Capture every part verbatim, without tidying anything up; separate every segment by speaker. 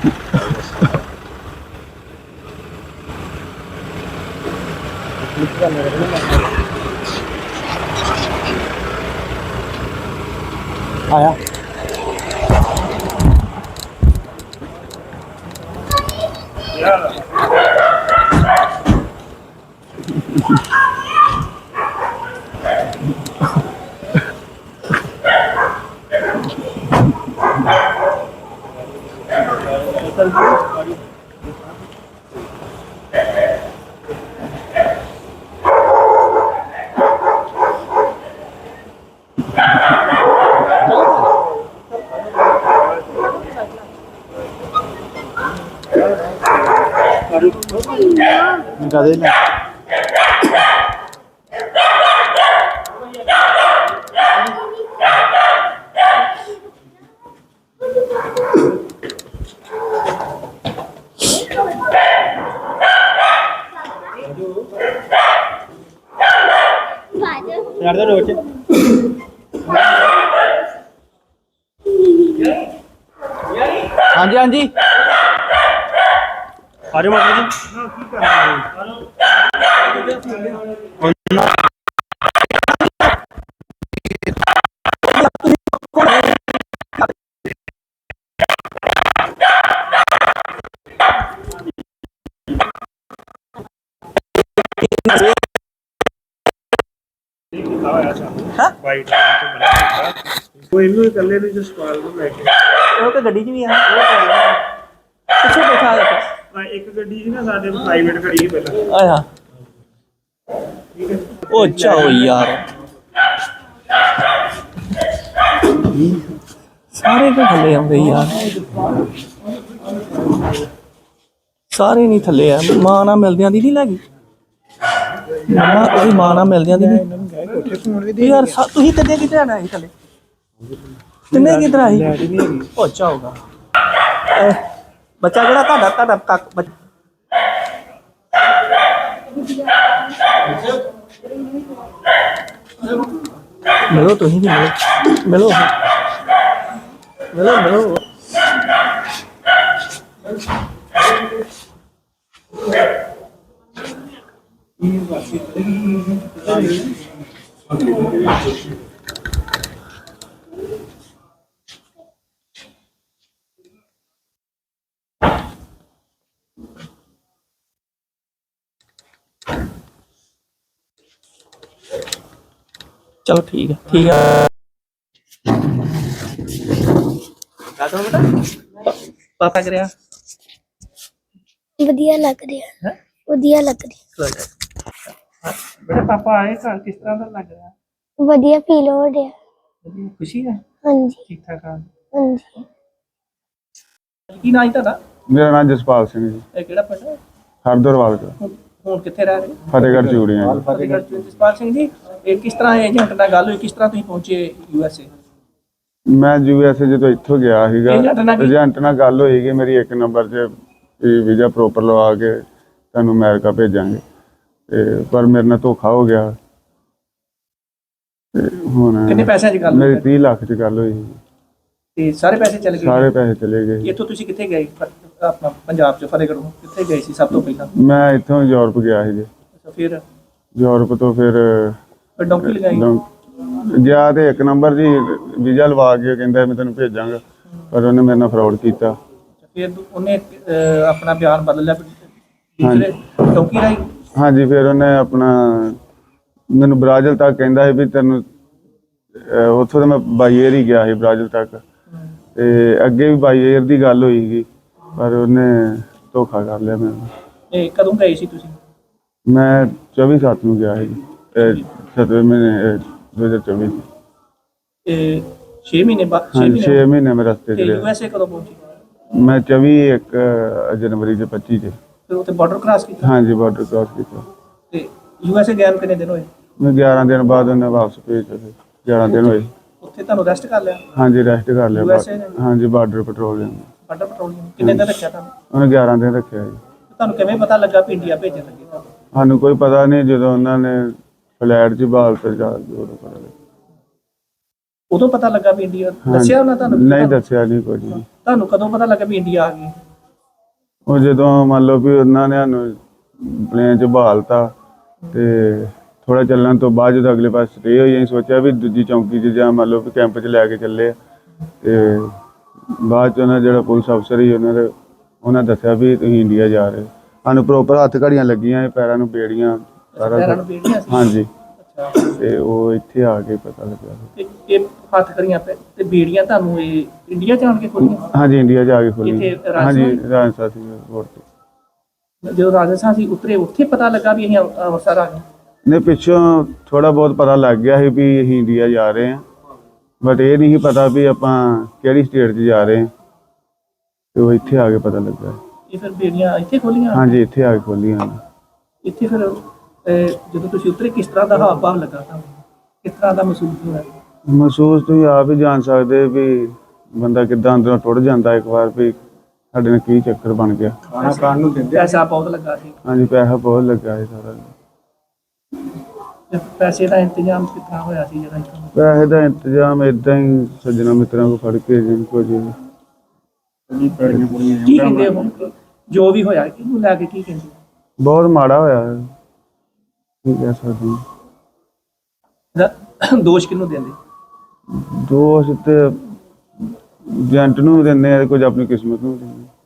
Speaker 1: आया निकाल देना यार दो रोचे हाँ जी हाँ जी अरे मतलब
Speaker 2: ਕੋਈ ਇਹਨੂੰ ਇਕੱਲੇ ਨੂੰ ਜਸਪਾਲ ਨੂੰ ਲੈ ਕੇ
Speaker 1: ਉਹ ਤਾਂ ਗੱਡੀ 'ਚ ਵੀ ਆ ਪਿੱਛੇ ਬੈਠਾ ਆ
Speaker 2: ਆ ਇੱਕ ਗੱਡੀ ਸੀ ਨਾ ਸਾਡੇ ਪ੍ਰਾਈਵੇਟ ਖੜੀ ਸੀ ਪਹਿਲਾਂ
Speaker 1: ਆਇਆ ਉਹ ਚਾਓ ਯਾਰ ਸਾਰੇ ਤਾਂ ਥੱਲੇ ਆਉਂਦੇ ਯਾਰ ਸਾਰੇ ਨਹੀਂ ਥੱਲੇ ਆ ਮਾਂ ਨਾਲ ਮਿਲਦਿਆਂ ਦੀ ਨਹੀਂ ਲੱਗੀ ਮਾਂ ਉਹਦੀ ਮਾਂ ਨਾਲ ਮਿਲਦਿਆਂ ਦੀ ਨਹੀਂ ਯਾਰ ਤੁਸੀਂ ਕਿੱਥੇ ਕਿੱਥੇ ਆਣਾ ਸੀ ਥੱਲੇ ਤਿੰਨੇ ਕਿੱਧਰ ਆਈ ਉਹ ਚਾਹੋਗਾ ਬੱਚਾ ਕਿਹੜਾ ਤੁਹਾਡਾ ਤੁਹਾਡਾ ਤੱਕ ਮਿਲੋ ਤੁਸੀਂ ਵੀ ਮਿਲੋ ਮਿਲੋ ਮਿਲੋ ਮਿਲੋ चलो ठीक है ठीक है पापा कर रहा
Speaker 3: ਵਧੀਆ ਲੱਗ ਰਿਹਾ
Speaker 1: है
Speaker 3: ਵਧੀਆ ਲੱਗ ਰਿਹਾ
Speaker 1: बेटा पापा आए घर किस तरह का लग रहा है
Speaker 3: ਵਧੀਆ ਫੀਲ ਹੋ ਰਿਹਾ
Speaker 1: खुशी है
Speaker 3: ਹਾਂਜੀ
Speaker 1: ठीक ठाक हाँ
Speaker 3: ਹਾਂਜੀ
Speaker 1: की नाम था
Speaker 4: ਮੇਰਾ ਨਾਮ ਜਸਪਾਲ ਸਿੰਘ ਜੀ
Speaker 1: केड़ा पिंड
Speaker 4: ਹਰਦਰਵਾਲ ਦਾ
Speaker 1: ਹੁਣ ਕਿੱਥੇ ਰਹਿ ਰਹੇ
Speaker 4: ਫਤਿਹਗੜ੍ਹ ਚੂੜੀਆਂ ਜੀ।
Speaker 1: ਫਤਿਹਗੜ੍ਹ ਚ ਜਸਪਾਲ ਸਿੰਘ ਜੀ ਇਹ ਕਿਸ ਤਰ੍ਹਾਂ ਏਜੰਟ ਨਾਲ ਗੱਲ ਹੋਈ ਕਿਸ ਤਰ੍ਹਾਂ ਤੁਸੀਂ ਪਹੁੰਚੇ ਯੂ ਐਸ ਏ
Speaker 4: ਮੈਂ ਯੂ ਐਸ ਏ ਜਦੋਂ ਇੱਥੋਂ ਗਿਆ ਸੀਗਾ
Speaker 1: ਏਜੰਟ ਨਾਲ ਕੀ-
Speaker 4: ਏਜੰਟ ਨਾਲ ਗੱਲ ਹੋਈ ਕਿ ਮੇਰੀ ਇੱਕ ਨੰਬਰ 'ਚ ਵੀਜ਼ਾ ਪ੍ਰੋਪਰ ਲਵਾ ਕੇ ਤੁਹਾਨੂੰ ਅਮਰੀਕਾ ਭੇਜਾਂਗੇ ਤੇ ਪਰ ਮੇਰੇ ਨਾਲ ਧੋਖਾ ਹੋ ਗਿਆ ਤੇ ਹੁਣ
Speaker 1: ਕਿੰਨੇ ਪੈਸਿਆਂ 'ਚ ਗੱਲ
Speaker 4: ਮੇਰੀ
Speaker 1: ਹੋਈ
Speaker 4: ਤੀਹ ਲੱਖ 'ਚ ਗੱਲ ਹੋਈ ਸੀ।
Speaker 1: ਤੇ ਸਾਰੇ ਪੈਸੇ ਚਲੇ ਗਏ
Speaker 4: ਸਾਰੇ ਪੈਸੇ ਚਲੇ ਗਏ।
Speaker 1: ਇੱਥੋਂ ਤੁਸੀਂ ਕਿੱਥੇ ਗਏ ਫ- ਆਪਣਾ ਪੰਜਾਬ 'ਚ ਫਤਿਹਗੜ੍ਹੋਂ ਕਿੱਥੇ ਗਏ ਸੀ ਸਭ ਤੋਂ ਪਹਿਲਾਂ
Speaker 4: ਮੈਂ ਇੱਥੋਂ ਯੂਰਪ ਗਿਆ ਸੀ ਜੀ।
Speaker 1: ਅੱਛਾ ਫਿਰ
Speaker 4: ਯੂਰਪ ਤੋਂ ਫਿਰ
Speaker 1: ਫਿਰ ਡੌਂਕੀ ਲਗਾਈ
Speaker 4: ਲੰ- ਗਿਆ ਤੇ ਇੱਕ ਨੰਬਰ ਜੀ ਵੀਜ਼ਾ ਲਵਾ ਕੇ ਕਹਿੰਦਾ ਮੈਂ ਤੈਨੂੰ ਭੇਜਾਂਗਾ ਪਰ ਉਹਨੇ ਮੇਰੇ ਨਾਲ ਫਰਾਡ ਕੀਤਾ।
Speaker 1: ਫਿਰ ਉਹਨੇ ਅਹ, ਆਪਣਾ ਬਿਆਨ ਬਦਲ ਲਿਆ ਫਿਰ ਦੂਸਰੇ ਡੌਂਕੀ ਰਾਈ
Speaker 4: ਹਾਂਜੀ ਫਿਰ ਉਹਨੇ ਆਪਣਾ ਮੈਨੂੰ ਬ੍ਰਾਜ਼ਿਲ ਤੱਕ ਕਹਿੰਦਾ ਸੀ ਵੀ ਤੈਨੂੰ ਅਹ ਉੱਥੋਂ ਤਾਂ ਮੈਂ ਬਾਈ ਏਅਰ ਹੀ ਗਿਆ ਸੀ ਬ੍ਰਾਜ਼ਿਲ ਤੱਕ ਤੇ ਅੱਗੇ ਵੀ ਬਾਈ ਏਅਰ ਦੀ ਗੱਲ ਹੋਈ ਸੀ ਪਰ ਉਹਨੇ ਧੋਖਾ ਕਰ ਲਿਆ ਮੈਨੂੰ।
Speaker 1: ਇਹ ਕਦੋਂ ਗਏ ਸੀ ਤੁਸੀਂ
Speaker 4: ਮੈਂ ਚੌਵੀ ਸੱਤ ਨੂੰ ਗਿਆ ਸੀ ਸਤਵੇਂ ਮਹੀਨੇ ਦੋ ਹਜ਼ਾਰ ਚੌਵੀ
Speaker 1: ਇਹ ਛੇ ਮਹੀਨੇ ਬਾਅਦ ਛੇ
Speaker 4: ਹਾਂਜੀ
Speaker 1: ਮਹੀਨੇ
Speaker 4: ਛੇ ਮਹੀਨੇ ਮੈਂ ਰਸਤੇ 'ਚ
Speaker 1: ਤੇ ਯੂ
Speaker 4: ਰਿਹਾ।
Speaker 1: ਐਸ ਏ ਕਦੋਂ ਪਹੁੰਚੇ
Speaker 4: ਮੈਂ ਚੌਵੀ ਇੱਕ ਜਨਵਰੀ ਦੇ ਪੱਚੀ 'ਚ
Speaker 1: ਫਿਰ ਉੱਥੇ ਬਾਰਡਰ ਕ੍ਰਾਸ ਕੀਤਾ
Speaker 4: ਹਾਂਜੀ ਬਾਰਡਰ ਕ੍ਰਾਸ ਕੀਤਾ।
Speaker 1: ਤੇ ਯੂ ਐਸ ਏ ਗਏ ਨੂੰ ਕਿੰਨੇ ਦਿਨ ਹੋਏ
Speaker 4: ਮੈਂ ਗਿਆਰਾਂ ਦਿਨ ਬਾਅਦ ਉਹਨੇ ਵਾਪਸ ਭੇਜ ਦਿੱਤੇ। ਗਿਆਰਾਂ ਦਿਨ ਹੋਏ।
Speaker 1: ਉੱਥੇ ਤੁਹਾਨੂੰ ਰੈਸਟ ਕਰ ਲਿਆ
Speaker 4: ਹਾਂਜੀ ਰੈਸਟ ਕਰ ਲਿਆ
Speaker 1: U S A ਨੇ?
Speaker 4: ਬਾਅਦ- ਹਾਂਜੀ ਬਾਰਡਰ ਪੈਟਰੋਲਿੰਗ
Speaker 1: ਬਾਰਡਰ ਪੈਟਰੋਲਿੰਗ ਕਿੰਨੇ ਦਿਨ ਰੱਖਿਆ ਤੁਹਾਨੂੰ
Speaker 4: ਉਹਨੇ ਗਿਆਰਾਂ ਦਿਨ ਰੱਖਿਆ ਜੀ।
Speaker 1: ਤੁਹਾਨੂੰ ਕਿਵੇਂ ਪਤਾ ਲੱਗਾ ਵੀ ਇੰਡੀਆ ਭੇਜਣ ਲੱਗੇ ਤੁਹਾਨੂੰ
Speaker 4: ਸਾਨੂੰ ਕੋਈ ਪਤਾ ਨਹੀਂ ਜਦੋਂ ਉਹਨਾਂ ਨੇ ਫਲੈਟ 'ਚ ਬਾਲ ਤੇ ਜਾ ਕੇ ਉਦੋਂ ਪਤਾ ਲੱਗਾ।
Speaker 1: ਉਦੋਂ ਪਤਾ ਲੱਗਾ ਵੀ ਇੰਡੀਆ
Speaker 4: ਹਾਂਜੀ।
Speaker 1: ਦੱਸਿਆ ਉਹਨਾਂ ਤੁਹਾਨੂੰ
Speaker 4: ਨਹੀਂ ਦੱਸਿਆ ਨਹੀਂ ਕੁਝ ਨਹੀਂ।
Speaker 1: ਤੁਹਾਨੂੰ ਕਦੋਂ ਪਤਾ ਲੱਗਾ ਵੀ ਇੰਡੀਆ ਆ ਗਈ
Speaker 4: ਉਹ ਜਦੋਂ ਮੰਨ ਲਓ ਵੀ ਉਹਨਾਂ ਨੇ ਸਾਨੂੰ ਪਲੇਨ 'ਚ ਬਹਾਲਤਾ ਤੇ ਥੋੜਾ ਚੱਲਣ ਤੋਂ ਬਾਅਦ ਜਦੋਂ ਅਗਲੇ ਪਾਸੇ ਸਟੇ ਹੋਈ ਅਸੀਂ ਸੋਚਿਆ ਵੀ ਦੂਜੀ ਚੌਂਕੀ 'ਚ ਜਾਂ ਮੰਨ ਲਓ ਵੀ ਕੈਂਪ 'ਚ ਲੈ ਕੇ ਚੱਲੇ ਆ। ਤੇ ਬਾਅਦ 'ਚ ਉਹਨਾਂ ਜਿਹੜਾ ਪੁਲਿਸ ਅਫਸਰ ਸੀ ਉਹਨਾਂ ਦੇ ਉਹਨਾਂ ਦੱਸਿਆ ਵੀ ਤੁਸੀਂ ਇੰਡੀਆ ਜਾ ਰਹੇ ਹੋ। ਸਾਨੂੰ ਪ੍ਰੋਪਰ ਹੱਥ ਘੜੀਆਂ ਲੱਗੀਆਂ, ਪੈਰਾਂ ਨੂੰ ਬੇੜੀਆਂ, ਸਾਰਾ
Speaker 1: ਪੈਰਾਂ
Speaker 4: ਕੁਛ।
Speaker 1: ਨੂੰ ਬੇੜੀਆਂ ਸੀ?
Speaker 4: ਹਾਂਜੀ।
Speaker 1: ਅੱਛਾ,
Speaker 4: ਤੇ ਉਹ ਇੱਥੇ ਆ ਕੇ ਪਤਾ ਲੱਗਿਆ।
Speaker 1: ਤੇ ਇਹ ਹੱਥ ਕਰੀਆਂ ਪੈ ਤੇ ਬੇੜੀਆਂ ਤੁਹਾਨੂੰ ਇਹ ਇੰਡੀਆ ਜਾਣ ਕੇ ਖੋਲੀਆਂ?
Speaker 4: ਹਾਂਜੀ, ਇੰਡੀਆ ਜਾ ਕੇ ਖੋਲੀ।
Speaker 1: ਇੱਥੇ ਰਾਜਸਥਾਨ?
Speaker 4: ਹਾਂਜੀ, ਰਾਜਸਥਾਨ ਸੀ 에ਅਰਪੋਰਟ ਤੇ।
Speaker 1: ਜਦੋਂ ਰਾਜਸਥਾਨ ਸੀ ਉਤਰੇ ਉੱਥੇ ਪਤਾ ਲੱਗਾ ਵੀ ਅਸੀਂ ਅੰਮ੍ਰਿ- ਅੰਮ੍ਰਿਤਸਰ ਆ ਗਏ?
Speaker 4: ਨੇ ਪਿੱਛੋਂ ਥੋੜਾ ਬਹੁਤ ਪਤਾ ਲੱਗ ਗਿਆ ਸੀ ਵੀ ਅਸੀਂ ਇੰਡੀਆ ਜਾ ਰਹੇ ਹਾਂ, ਬਟ ਇਹ ਨਹੀਂ ਸੀ ਪਤਾ ਵੀ ਆਪਾਂ ਕਿਹੜੀ ਸਟੇਟ 'ਚ ਜਾ ਰਹੇ ਹਾਂ। ਤੇ ਉਹ ਇੱਥੇ ਆ ਕੇ ਪਤਾ ਲੱਗਾ।
Speaker 1: ਇਹ ਫਿਰ ਬੇੜੀਆਂ ਇੱਥੇ ਖੋਲੀਆਂ?
Speaker 4: ਹਾਂਜੀ, ਇੱਥੇ ਆ ਕੇ ਖੋਲੀਆਂ।
Speaker 1: ਇੱਥੇ ਫਿਰ ਅਹ, ਜਦੋਂ ਤੁਸੀਂ ਉਤਰੇ ਕਿਸ ਤਰ੍ਹਾਂ ਦਾ ਹਾਵ ਭਾਵ ਲੱਗਾ ਤੁਹਾਨੂੰ? ਕਿਸ ਤਰ੍ਹਾਂ ਦਾ ਮਹਿਸੂਸ ਹੋਇਆ?
Speaker 4: ਮਹਿਸੂਸ ਤੁਸੀਂ ਆਪ ਹੀ ਜਾਣ ਸਕਦੇ ਵੀ ਬੰਦਾ ਕਿੱਦਾਂ ਅੰਦਰੋਂ ਟੁੱਟ ਜਾਂਦਾ ਇੱਕ ਵਾਰ ਵੀ ਸਾਡੇ ਨਾਲ ਕੀ ਚੱਕਰ ਬਣ ਗਿਆ।
Speaker 2: ਖਾਣਾ ਖਾਣ ਨੂੰ ਦਿੰਦੇ
Speaker 1: ਪੈਸਾ ਬਹੁਤ ਲੱਗਾ ਸੀ?
Speaker 4: ਹਾਂਜੀ, ਪੈਸਾ ਬਹੁਤ ਲੱਗਾ ਸੀ ਸਾਰਾ।
Speaker 1: ਤੇ ਪੈਸੇ ਦਾ ਇੰਤਜ਼ਾਮ ਕਿਸ ਤਰ੍ਹਾਂ ਹੋਇਆ ਸੀ ਜਿਹੜਾ ਇੱਥੋਂ?
Speaker 4: ਪੈਸੇ ਦਾ ਇੰਤਜ਼ਾਮ ਏਦਾਂ ਹੀ ਸੱਜਣਾ ਮਿੱਤਰਾਂ ਕੋਲ ਫੜ ਕੇ ਜਿੰਨ ਕੋ ਜੀ
Speaker 2: ਜੀ ਪੈੜੀਆਂ ਪੁੜੀਆਂ
Speaker 1: ਕੀ ਕਹਿੰਦੇ ਹੁਣ ਜੋ ਵੀ ਹੋਇਆ ਕਿਹਨੂੰ ਲੈ ਕੇ ਕੀ ਕਹਿੰਦੇ?
Speaker 4: ਬਹੁਤ ਮਾੜਾ ਹੋਇਆ ਹੈ। ਕੀ ਕਹਿ ਸਕਦੇ ਹਾਂ।
Speaker 1: ਇਹਦਾ ਦੋਸ਼ ਕਿਹਨੂੰ ਦਿੰਦੇ?
Speaker 4: ਦੋਸ਼ ਤੇ ਏਜੰਟ ਨੂੰ ਵੀ ਦਿੰਦੇ ਆ, ਕੁਝ ਆਪਣੀ ਕਿਸਮਤ ਨੂੰ ਵੀ ਦਿੰਦੇ ਆ।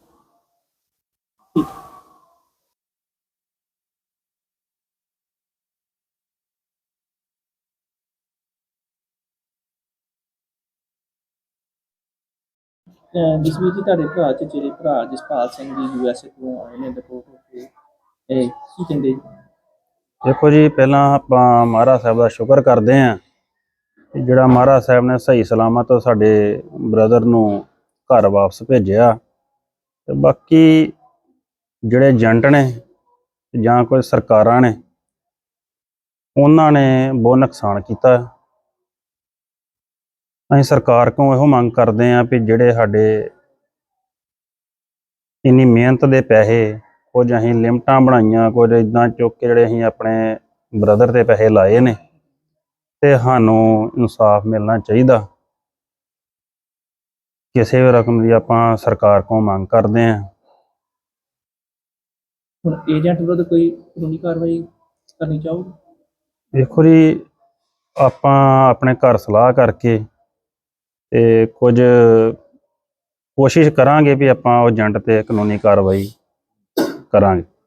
Speaker 1: ਜਸਵੀਰ ਜੀ, ਤੁਹਾਡੇ ਭਰਾ ਚ ਜਿਹੜੇ ਭਰਾ ਜਸਪਾਲ ਸਿੰਘ ਜੀ ਯੂ ਐਸ ਏ ਤੋਂ ਆਏ ਨੇ ਰਿਪੋਰਟ ਹੋ ਕੇ, ਇਹ ਕੀ ਕਹਿੰਦੇ?
Speaker 5: ਦੇਖੋ ਜੀ, ਪਹਿਲਾਂ ਆਪਾਂ ਮਹਾਰਾਜ ਸਾਹਿਬ ਦਾ ਸ਼ੁਕਰ ਕਰਦੇ ਹਾਂ ਕਿ ਜਿਹੜਾ ਮਹਾਰਾਜ ਸਾਹਿਬ ਨੇ ਸਹੀ ਸਲਾਮਤ ਸਾਡੇ ਬ੍ਰਦਰ ਨੂੰ ਘਰ ਵਾਪਸ ਭੇਜਿਆ। ਤੇ ਬਾਕੀ ਜਿਹੜੇ ਏਜੰਟ ਨੇ ਜਾਂ ਕੋਈ ਸਰਕਾਰਾਂ ਨੇ ਉਹਨਾਂ ਨੇ ਬਹੁਤ ਨੁਕਸਾਨ ਕੀਤਾ। ਅਸੀਂ ਸਰਕਾਰ ਕੋਲੋਂ ਇਹੋ ਮੰਗ ਕਰਦੇ ਹਾਂ ਵੀ ਜਿਹੜੇ ਸਾਡੇ ਇੰਨੀ ਮਿਹਨਤ ਦੇ ਪੈਸੇ, ਕੁਝ ਅਸੀਂ ਲਿਮਟਾਂ ਬਣਾਈਆਂ, ਕੁਝ ਇੱਦਾਂ ਚੁੱਕ ਕੇ ਜਿਹੜੇ ਅਸੀਂ ਆਪਣੇ ਬ੍ਰਦਰ ਦੇ ਪੈਸੇ ਲਾਏ ਨੇ, ਤੇ ਸਾਨੂੰ ਇਨਸਾਫ ਮਿਲਣਾ ਚਾਹੀਦਾ। ਕਿਸੇ ਵੀ ਰਕਮ ਦੀ ਆਪਾਂ ਸਰਕਾਰ ਕੋਲੋਂ ਮੰਗ ਕਰਦੇ ਹਾਂ।
Speaker 1: ਹੁਣ ਏਜੰਟ ਵਿਰੁੱਧ ਕੋਈ ਕਾਨੂੰਨੀ ਕਾਰਵਾਈ ਕਰਨੀ ਚਾਹੋਗੇ?
Speaker 5: ਦੇਖੋ ਜੀ, ਆਪਾਂ ਆਪਣੇ ਘਰ ਸਲਾਹ ਕਰਕੇ ਤੇ ਕੁਝ ਕੋਸ਼ਿਸ਼ ਕਰਾਂਗੇ ਵੀ ਆਪਾਂ ਉਹ ਏਜੰਟ ਤੇ ਕਾਨੂੰਨੀ ਕਾਰਵਾਈ ਕਰਾਂਗੇ।